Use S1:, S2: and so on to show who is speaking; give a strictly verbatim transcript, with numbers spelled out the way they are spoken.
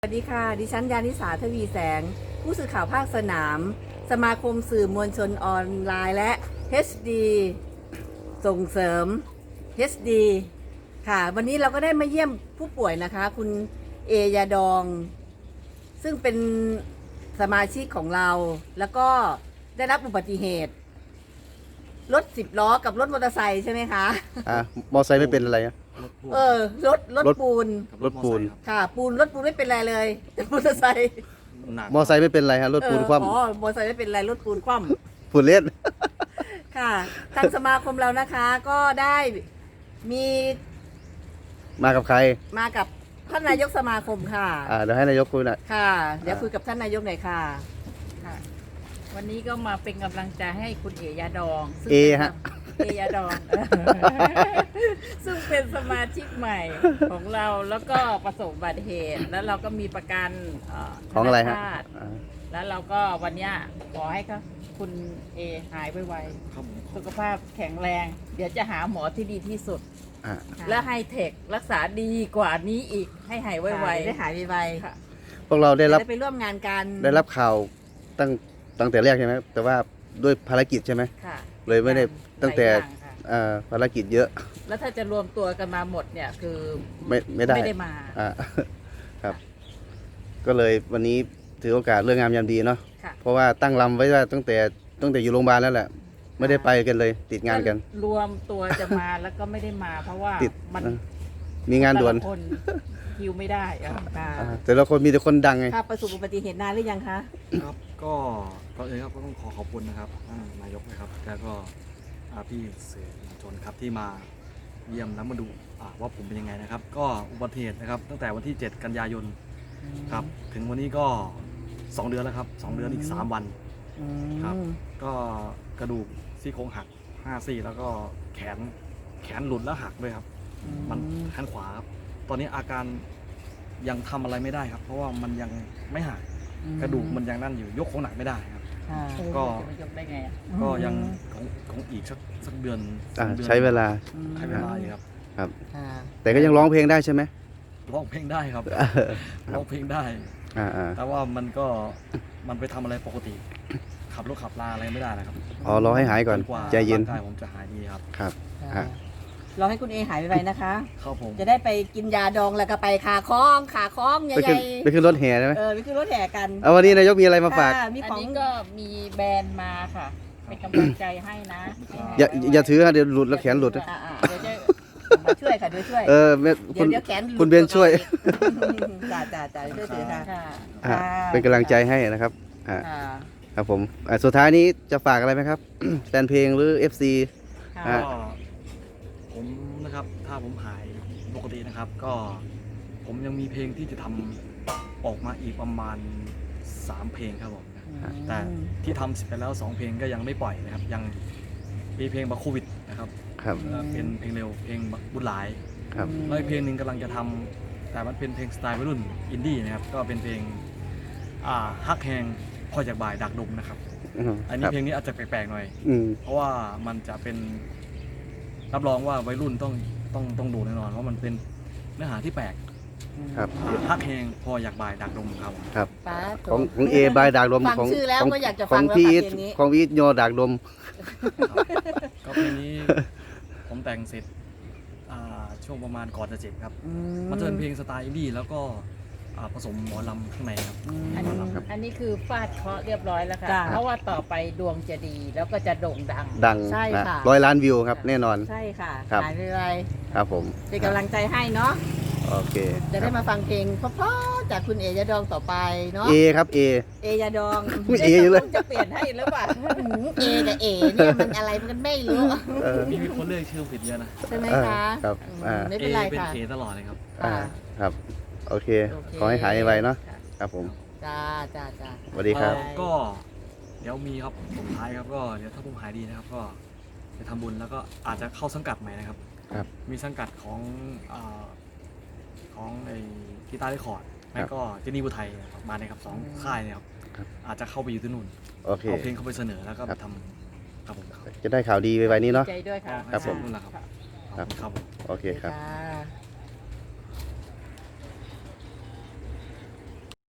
S1: สวัสดีค่ะดิฉันยานิสาทวีแสงผู้สื่อข่าวภาคสนามสมาคมสื่อมวลชนออนไลน์และ เอช ดี ส่งเสริม เอช ดี ค่ะวันนี้เราก็ได้มาเยี่ยมผู้ป่วยนะคะคุณเอยาดองซึ่งเป็นสมาชิกของเราแล้วก็ได้รับอุบัติเหตุรถสิบล้อกับรถมอเตอร์ไซค์ใช่ไหมคะ
S2: อ่ามอไซค์ไม่เป็นอะไรอะ
S1: เออรถรถปูน
S2: รถปูน
S1: ค่ะปูนรถปูนไม่เป็นไรเลยแต่มอเตอร์ไซค์
S2: มอไซค์ไม่เป็นไรฮะรถปูนคว่
S1: อ๋อมอเตอร์ไซค์ไม่เป็นไรรถปูนคว่
S2: ำปูนเล่น
S1: ำค่ะทางสมาคมเรานะคะก็ได้มี
S2: มากับใคร
S1: มากับท่านนายกสมาคมค่ะ
S2: อ่าเดี๋ยวให้นายกคุยหน่อย
S1: ค่ะ เดี๋ยวคุยกับท่านนายกหน่อยค่ะ
S3: ค่ะวันนี้ก็มาเป็นกำลังใจให้คุณเอยาดองซึ่ง
S2: เอ
S3: ป็น
S2: ฮะ
S3: เอยาดอง ซึ่งเป็นสมาชิกใหม่ของเราแล้วก็ประสบอุบัติเหตุ แล้วเราก็มีประกันเ
S2: ของอะไร
S3: ธ
S2: ฮะ
S3: นาคาร
S2: อ่า
S3: แล้วเราก็วันเนี้ยขอให้เขาคุณเอหายไวๆสุขภาพแข็งแรง เดี๋ยวจะหาหมอที่ดีที่สุด
S2: อ่า
S3: และไฮเทครักษาดีกว่านี้อีกให้หายไว
S1: ไว
S3: ๆ
S1: ได้หายไว
S3: ค่ะ
S2: พวกเรา
S1: ๆ
S2: ได้รับ
S1: จะไปร่วมงานกัน
S2: ได้รับข่าวตั้งตั้งแต่แรกใช่ไหมแต่ว่าด้วยภารกิจใช่ไหม
S3: ค่ะ
S2: เลยไม่ได้ตั้งแต่
S3: หลายอย่างค่ะ
S2: อ่าภารกิจเยอะ
S3: แล้วถ้าจะรวมตัวกันมาหมดเนี่ยคือ
S2: ไม่ไม่ได้
S3: ไม่ได้มา
S2: อ่า ครับ ก็เลยวันนี้ถือโอกาสเรื่องงามยามดีเนาะ
S3: ค่ะ
S2: เพราะว่าตั้งลำไว้ว่าตั้งแต่ตั้งแต่อยู่โรงพยาบาลแล้วแหละไม่ได้ไปกันเลย ติดงานกัน
S3: รวมตัวจะมาแล้วก็ไม่ได้มา เพราะว่า
S2: ติด
S3: มัน
S2: นะมีงานด่วน
S3: แต่ละคนคิวไม่ได้อะ
S1: ค่ะ
S2: อ่าแต่ละคนมีแต่คนดังไง
S1: ค่ะประสบอุบัติเหตุนานหรือยังคะ
S4: ครับก็ก่อนอื่นครับก็ต้องขอขอบคุณนะครับท่านนายกนะครับแล้วก็อ่าพี่สื่อมวลชนครับที่มาเยี่ยมแล้วมาดูอ่าว่าผมเป็นยังไงนะครับ ก็อุบัติเหตุนะครับตั้งแต่วันที่ เจ็ด กันยายนครับถึงวันนี้ก็สองเดือนแล้วครับสองเดือนอีกสามวัน
S1: อืม
S4: ครับ ก็กระดูกซี่โครงหักห้าซี่แล้วก็แขนแขนหลุดแล้วหักด้วยครับ มันแขนขวาครับตอนนี้อาการยังทำอะไรไม่ได้ครับ เพราะว่ามันยังไม่หักกระดูกมันยังนั่นอยู่ยกของหนักไม่ได้ครับ
S1: ค่ะ
S4: ก็
S3: จะไปยกได้ไงอะ
S4: ก็ยังของของอีกสักสักเดือนส
S2: อ่า
S4: องดือน
S2: ใช้เวลา
S4: ใช้เวลาอยู่ครับ
S2: ครับ
S1: ค่ะ
S2: แต่ก็ยังร้องเพลงได้ใช่ไหม
S4: ร้องเพลงได้ครับร้องเพลงได้
S2: อ่าอ่า
S4: แต่ว่ามันก็มันไปทำอะไรปกติ ขับรถขับลาอะไรไม่ได้นะครับ
S2: อ๋อรอให้หายก่อน
S4: จกว่า
S2: ใจเย็น
S4: ร่างกายผมจะหายดีครับ
S2: ครับ
S1: ค่ะ
S2: อ่ะ
S1: รอให้คุณเอหายไวๆนะคะ
S4: ครับผม
S1: จะได้ไปกินยาดองแล้วก็ไปขาคล้องขาคล้องให
S2: ไปขึ้
S1: ญ่
S2: นไปขึ้นรถแห่ใช่ไหม
S1: ๆเออไปขึ้นรถแห่กัน
S2: เอาวันนี้นายกมีอะไรมาฝาก
S1: ค่ะมี
S3: อัน
S1: ของ
S3: นี้ก็มีแบรนด์มาค่ะ เป็นกำลังใจให้นะ
S2: อย่าอย่าถือฮะเดี๋ยวหลุดแล้วแขนหลุดนะ
S1: อ่าๆเดี๋ยวจะมาช่วยค่ะเดี๋ยวช่วย
S2: เออแม่
S1: เดี๋
S2: คุ
S1: ยว
S2: ณ
S1: เดี๋ยวแขนหลุด
S2: คุณเบนช่วย
S1: จ้าจ้าจ้าช่วยถือค่ะ
S3: ค่ะ
S2: อ่ะเป็นกำลังใจให้นะครับอ่า
S1: ค่ะ
S2: ครับผมอ่ะสุดท้ายนี้จะฝากอะไรไหมครับ แฟนเพลงหรือ เอฟ ซี
S1: ค่ะ
S2: อ่ะ
S4: ก็ผมนะครับถ้าผมหายปกตินะครับ ก็ผมยังมีเพลงที่จะทำออกมาอีกประมาณสามเพลงครับผม แต่ที่ทำเสร็จไปแล้วสองเพลงก็ยังไม่ปล่อยนะครับ ยังมีเพลงบักโควิดนะครับ
S2: ครับ
S4: เอ่อเป็นเพลงเร็วเพลงบักบุญหลาย
S2: ครับ
S4: แล้วอีกเพลงหนึ่งกำลังจะทำแต่มันเป็นเพลงสไตล์วัยรุ่นอินดี้นะครับก็เป็นเพลงอ่าฮักแฮงพอจากบ่ายดักดมนะครับ
S2: อืม
S4: อัน
S2: ค
S4: นี้
S2: รับ
S4: เพลงนี้อาจจะแปลกๆหน่อย
S2: อืม
S4: เพราะว่ามันจะเป็นรับรองว่าวัยรุ่นต้องต้องต้องดูแน่นอนเพราะมันเป็นเนื้อหาที่แปลก
S2: ครับ
S4: อ่าฮักแฮงพออยากบ่ายดักดมครับ
S2: ครับ
S1: ป้า
S2: ของของเอบายดากลม
S1: ฟัง
S2: ของ
S1: ชื่อแล้ว
S2: ของ
S1: ก็อยากจะ
S2: ข
S1: ฟั
S2: อง ง
S1: แล้ว
S2: พี่
S1: ค่ะ
S2: อีท
S1: เพลงนี้
S2: ของพี่อีทโยดากลม
S4: ก็เพลงนี้ผมแต่งเสร็จอ่าช่วงประมาณก่อนจะเจ็บครับ
S1: อื
S4: มันจะเป็นเพลงสไตล์อินดี้แล้วก็อ่าผสมหมอลำข้างในครับ
S3: อันนี้อันนี้คือฟาดเคราะห์เรียบร้อยแล้วค่ะ
S1: จ้ะ
S3: เพราะว่าต่อไปดวงจะดีแล้วก็จะโด่งดัง
S2: ดัง
S1: ใช่
S2: นะ
S1: ค่ะ
S2: ร้อยล้านวิวครับ แน่นอน
S1: ใช่ค่ะ
S2: ครับ
S1: หายไว
S2: ครับผม
S1: ๆเป็นกำลังใจให้เนาะ
S2: โอเค
S1: จะ
S2: ค
S1: ได้
S2: รับ
S1: มาฟังเพลงเพราะๆจากคุณเอยาดองต่อไปเนาะ
S2: เอครับเอ
S1: เอยาดอง
S2: อุ๊ยเออยู่เลย
S3: จะเปลี่ยนให้หรือเปล่า
S1: หืมเอกับเอเนี่ยมันอะไรมันไม่รู้
S2: เออ
S4: มีคนเรียกชื่อผิดเยอะนะ
S1: ใช่ไหม
S2: เออ
S1: คะ
S2: ครับ
S1: อืม
S2: อ่า
S1: ไม่
S4: เอ
S1: เป็นไร
S4: เป็น
S1: ค่ะ
S4: เอตลอดเลยครับ
S2: อ่า
S1: ค่ะ
S2: ครับ โอเค
S1: โอเค
S2: ขอให้หายไวๆเนาะครับผม
S1: จ้าจ้าจ้า
S2: สวัสดีครับ
S4: เอ่อก็เดี๋ยวมีครับสุดท้ายครับก็เดี๋ยวถ้าผมหายดีนะครับ ก็จะทำบุญแล้วก็อาจจะเข้าสังกัดใหม่นะครับ
S2: ครับ
S4: มีสังกัดของอ่าของไอ้กีตาร์เรคคอร์ดแล้วก็เจนี่บุไทยมาเนี่ยครับสองค่ายเนี่ยครับ
S2: ครับ
S4: อาจจะเข้าไปอยู่ที่นู่น
S2: โอเค
S4: เอาเพลงเข้าไปเสนอแล้วก็
S2: ครับ
S4: ทำครับผมครับ
S2: จะได้ข่าวดีไวๆนี้เนาะ
S3: ใจด้วยค่ะ
S2: ครับผม
S4: นั่นแหละครับ
S2: ครับ
S4: ครับผม
S2: โอเคครับ
S1: จ้า